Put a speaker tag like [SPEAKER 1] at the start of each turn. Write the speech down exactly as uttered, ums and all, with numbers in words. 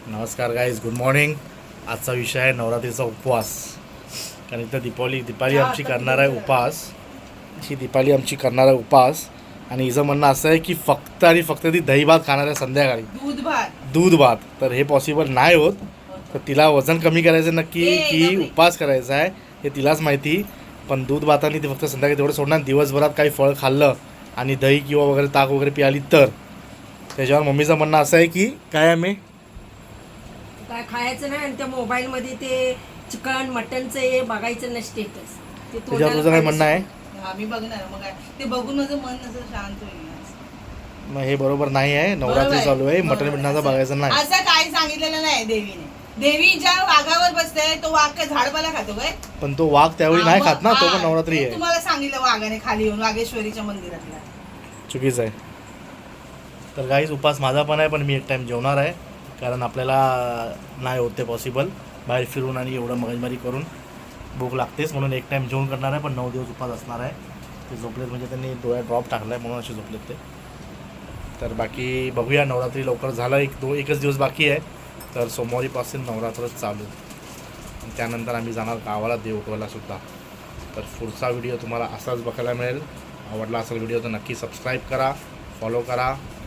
[SPEAKER 1] नमस्कार guys, good morning. आजचा विषय आहे नवरात्रीचा उपवास. कारण इथं दीपावली दीपाली आमची करणार आहे उपवास. ही दीपाली आमची करणार आहे उपवास आणि हिचं म्हणणं असं आहे की फक्त आणि फक्त ती दही भात खाणार आहे संध्याकाळी,
[SPEAKER 2] दूध भात.
[SPEAKER 1] दूध भात. तर हे पॉसिबल नाही होत. तर तिला वजन कमी करायचं नक्की की उपवास करायचा आहे हे तिलाच माहिती. पण दूध भाताने ती फक्त संध्याकाळी तेवढं सोडणार. दिवसभरात काही फळ खाल्लं आणि दही किंवा वगैरे ताक वगैरे पिआली तर त्याच्यावर मम्मीचं म्हणणं असं आहे की काय आम्ही
[SPEAKER 3] काय खायचं नाही आणि त्या मोबाईल मध्ये ते चिकन मटनचं हे बघायचं नाही स्टेटस. ते
[SPEAKER 1] त्याच्यावर तुझं काय म्हणणं आहे?
[SPEAKER 2] हा, मी बघणार. मग काय ते बघून माझं मन असं शांत होईल.
[SPEAKER 1] मग हे बरोबर नाही आहे. नवरात्री चालू आहे, मटण बिटणाचं बघायचं नाही.
[SPEAKER 2] असं काही सांगितलेलं नाही देवीने. देवी ज्या वाघावर बसते तो वाघ काय झाडपाला खातो काय?
[SPEAKER 1] पण तो वाघ त्यावेळी नाही खात ना, तो पण
[SPEAKER 2] हा,
[SPEAKER 1] नवरात्री
[SPEAKER 2] ते
[SPEAKER 1] आहे.
[SPEAKER 2] तुम्हाला सांगितलं वाघाने खाली येऊन वाघेश्वरीच्या मंदिरातला.
[SPEAKER 1] चुकीचं आहे. तर काहीच उपास माझा पण आहे, पण मी एक टाइम जेवणार आहे. कारण आपल्याला नाही होत ते पॉसिबल बाहेर फिरून आणि एवढं मगजमारी करून. भूक लागतेच म्हणून एक टाइम जेवण करणार आहे. पण नऊ दिवस उपास असणार आहे. ते झोपलेत म्हणजे त्यांनी डोळ्यात ड्रॉप टाकला आहे म्हणून असे झोपलेत ते. तर बाकी बघूया. नवरात्री लवकर झालं, एक दो एकच दिवस बाकी आहे. तर सोमवारीपासून नवरात्र चालू आणि त्यानंतर आम्ही जाणार गावाला देव उठवायला सुद्धा. तर पुढचा व्हिडिओ तुम्हाला असाच बघायला मिळेल. आवडला असेल व्हिडिओ तर नक्की सबस्क्राईब करा, फॉलो करा.